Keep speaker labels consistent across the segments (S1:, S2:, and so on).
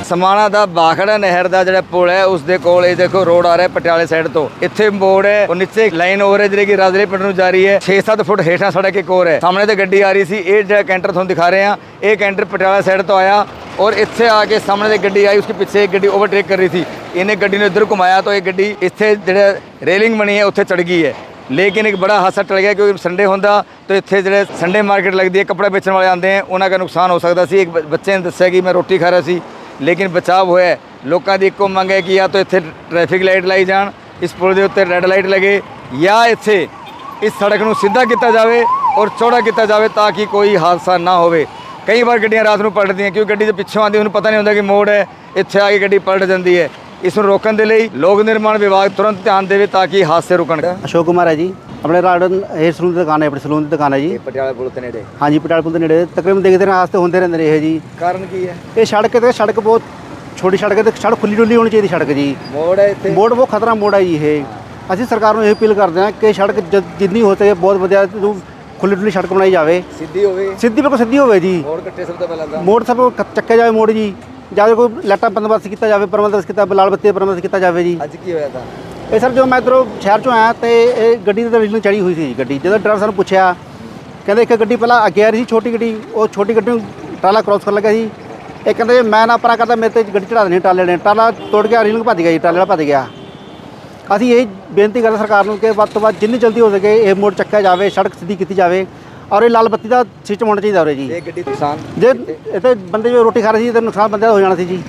S1: ਸਮਾਣਾ ਦਾ ਬਾਖੜਾ ਨਹਿਰ ਦਾ ਜਿਹੜਾ ਪੁਲ ਹੈ ਉਸ ਦੇ ਕੋਲ ਇਹ ਦੇਖੋ ਰੋਡ ਆ ਰਿਹਾ ਪਟਿਆਲੇ ਸਾਈਡ ਤੋਂ। ਇੱਥੇ ਮੋੜ ਹੈ, ਉਹ ਨੀਚੇ ਲਾਈਨ ਓਵਰ ਹੈ ਜਿਹੜੀ ਕਿ ਰਾਜਲੇ ਪਿੰਡ ਨੂੰ ਜਾ ਰਹੀ ਹੈ। 6-7 ਫੁੱਟ ਹੇਠਾਂ ਸੜਕ ਇੱਕ ਹੋਰ ਹੈ। ਸਾਹਮਣੇ ਤੇ ਗੱਡੀ ਆ ਰਹੀ ਸੀ। ਇਹ ਜਿਹੜਾ ਕੈਂਟਰ ਤੁਹਾਨੂੰ ਦਿਖਾ ਰਹੇ ਆ, ਇਹ ਕੈਂਟਰ ਪਟਿਆਲਾ ਸਾਈਡ ਤੋਂ ਆਇਆ और ਇੱਥੇ ਆ ਕੇ ਸਾਹਮਣੇ से ਗੱਡੀ ਆਈ, उसके पीछे एक ਗੱਡੀ ओवरटेक कर रही थी। इन्हें ਗੱਡੀ ਨੂੰ ਇੱਧਰ ਘੁਮਾਇਆ तो ये ਗੱਡੀ ਇੱਥੇ ਜਿਹੜਾ ਰੇਲਿੰਗ ਬਣੀ ਹੈ ਉੱਥੇ ਚੜ ਗਈ है। लेकिन एक बड़ा हादसा टल गया क्योंकि संडे होंदा तो इत्थे ਜਿਹੜੇ संडे मार्केट लगती है, कपड़े बेचने वाले आते हैं, उन्हों का नुकसान हो सकता सी। एक बच्चे ने दस्सिया कि मैं रोटी खा रहा सी लेकिन बचाव होया। लोगों की एको मंग है कि या तो इत्थे ट्रैफिक लाइट लाई जान, इस पुल के उत्ते रेड लाइट लगे, या इत्थे इस सड़क को सीधा किया जाए और चौड़ा किया जाए ताकि कोई हादसा ना हो। कई बार गड्डियां रात को पलटदियां क्योंकि गड्डी जो पिछों आती उन्हें पता नहीं होता कि मोड़ है, इत्थे आके गड्डी पलट जाती है। इस रोकने के लिए लोक निर्माण विभाग तुरंत ध्यान देवे ताकि हादसे रुकन।
S2: अशोक कुमार है जी, अपने राडन हेयर सलून की दुकान है, अपनी सलून की दुकान है जी,
S1: पटियाला पुल के नेड़े।
S2: हाँ जी, पटियाला पुल के नेड़े तकरीबन देखते हैं हादसे होते रहते हैं जी।
S1: कारण की है?
S2: ये सड़क बहुत छोटी सड़क है, तो सड़क खुली डुली होनी चाहिए सड़क जी।
S1: मोड़ है इत्थे,
S2: मोड़ बहुत खतरा मोड़ है जी। ये असं सरकार को यही अपील करते हैं कि सड़क जितनी हो सके बहुत वधिया खुली डुली सड़क बनाई जाए,
S1: सीधी होवे,
S2: सीधी बिल्कुल सीधी होवे जी।
S1: मोड़ कट्टे सब तो पहला
S2: मोड़ सब चक्के जाए मोड़ जी, ਜਾਂ ਕੋਈ ਲਾਈਟਾਂ ਬੰਦੋਬਸਤ ਕੀਤਾ ਜਾਵੇ, ਪ੍ਰਬੰਧਨ ਕੀਤਾ, ਲਾਲ ਬੱਤੀ ਦਾ ਪ੍ਰਬੰਧ ਕੀਤਾ ਜਾਵੇ ਜੀ।
S1: ਅੱਜ ਕੀ ਹੋਇਆ ਤਾਂ
S2: ਇਹ ਸਰ ਜਦੋਂ ਮੈਂ ਇੱਧਰੋਂ ਸ਼ਹਿਰ ਚੋਂ ਆਇਆ ਤੇ ਇਹ ਗੱਡੀ ਦੇ ਰੇਲਿੰਗ ਚੜੀ ਹੋਈ ਸੀ ਗੱਡੀ। ਜਦੋਂ ਡਰਾਈਵਰ ਸਾਨੂੰ ਪੁੱਛਿਆ ਕਹਿੰਦੇ ਇੱਕ ਗੱਡੀ ਪਹਿਲਾਂ ਅੱਗੇ ਆ ਰਹੀ ਸੀ ਛੋਟੀ ਗੱਡੀ, ਉਹ ਛੋਟੀ ਗੱਡੀ ਨੂੰ ਟਰਾਲਾ ਕ੍ਰੋਸ ਕਰਨ ਲੱਗਾ ਸੀ। ਇਹ ਕਹਿੰਦੇ ਮੈਂ ਨਾ ਪਰਾਂ ਕਰਦਾ ਮੇਰੇ ਤੇ ਗੱਡੀ ਚੜਾ ਦੇਣੀ ਟਰਾਲੇ ਨੇ, ਟਰਾਲਾ ਤੋੜ ਗਿਆ, ਰੇਲਿੰਗ ਭੱਜ ਗਿਆ ਜੀ, ਟਰਾਲੇ ਵਾਲਾ ਭੱਜ ਗਿਆ। ਅਸੀਂ ਇਹ ਬੇਨਤੀ ਕਰਦੇ ਸਰਕਾਰ ਨੂੰ ਕਿ ਵੱਧ ਤੋਂ ਵੱਧ ਜਿੰਨੀ ਜਲਦੀ ਹੋ ਸਕੇ ਇਹ ਮੋੜ ਚੱਕਿਆ ਜਾਵੇ, ਸੜਕ ਸਿੱਧੀ ਕੀਤੀ ਜਾਵੇ और ये लाल बत्ती का सिस्टम होना चाहिए जी।
S1: ये गड्डी नुकसान
S2: जे इतने बंदे जो रोटी खा रहे थे तो नुकसान बंदे हो जाना सी जी।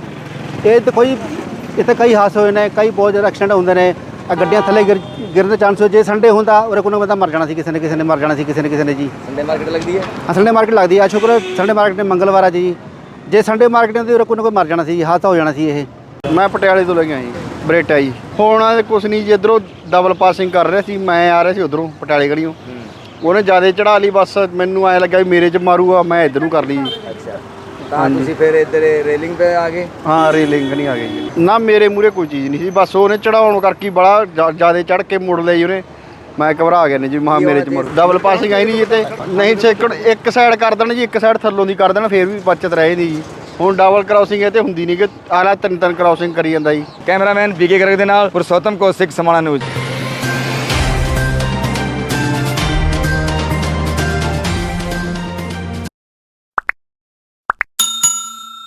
S2: ये तो कोई इतने कई हादसे हुए हैं, कई बहुत ज़्यादा एक्सीडेंट होंगे ने, गड्डियां थले गिरने चांस हो। जे संडे होंदा और कोई बंदा मर जाना सी, किसी ने मर जाना सी, किसी ने जी।
S1: संडे मार्केट लगती है?
S2: हाँ, संडे मार्केट लगती है। शुक्र संडे मार्केट मंगलवार है जी। जे संडे मार्केट होंदी और कोई मर जाना सी, हादसा हो जाना सी। ये
S3: मैं पटियाले तो लगे जी, बरेटा जी होना कुछ नहीं जी। इधरों डबल पासिंग कर रहे थे, मैं आ रहा सी उधरों पटियाले गड़ियों, ਉਹਨੇ ਜ਼ਿਆਦਾ ਚੜਾ ਲਈ, ਬਸ ਮੈਨੂੰ ਐਂ ਲੱਗਾ ਵੀ ਮੇਰੇ 'ਚ ਮਾਰੂਗਾ, ਮੈਂ ਇੱਧਰ ਨੂੰ ਕਰ ਲਈ ਜੀ।
S1: ਅੱਛਾ, ਤਾਂ ਤੁਸੀਂ ਫਿਰ ਇੱਧਰ ਰੇਲਿੰਗ 'ਤੇ ਆ ਗਏ?
S3: ਹਾਂ, ਰੇਲਿੰਗ ਨਹੀਂ ਆ ਗਈ ਜੀ ਨਾ, ਮੇਰੇ ਮੂਹਰੇ ਕੋਈ ਚੀਜ਼ ਨਹੀਂ ਸੀ, ਬਸ ਉਹਨੇ ਚੜਾਉਣ ਕਰਕੇ ਬੜਾ ਜ਼ਿਆਦਾ ਚੜ੍ਹ ਕੇ ਮੁੜ ਲਈ ਉਹਨੇ। ਮੈਂ ਘਬਰਾ ਗਿਆ ਨੇ ਜੀ, ਮਹਾ ਮੇਰੇ 'ਚ ਮੁੜ ਡਬਲ ਪਾਸਿੰਗ ਆਈ ਨਹੀਂ ਜੀ। ਤੇ ਨਹੀਂ ਸੈਕੜ ਇੱਕ ਸਾਈਡ ਕਰ ਦੇਣ ਜੀ, ਇੱਕ ਸਾਈਡ ਥੱਲੋਂ ਦੀ ਕਰ ਦੇਣ, ਫਿਰ ਵੀ ਬਚਤ ਰਹੇ ਨਹੀਂ ਜੀ। ਹੁਣ ਡਬਲ ਕ੍ਰਾਸਿੰਗ ਇਹ ਤੇ ਹੁੰਦੀ ਨਹੀਂ ਕਿ ਆਲਾ ਤਿੰਨ ਕ੍ਰਾਸਿੰਗ ਕਰੀ ਜਾਂਦਾ ਜੀ।
S1: ਕੈਮਰਾਮੈਨ ਬੀਕੇ ਗਰਗ ਦੇ ਨਾਲ ਪੁਰਸ਼ੋਤਮ ਕੌਸ਼ਿਕ, ਸਮਾਣਾ ਨਿਊਜ਼।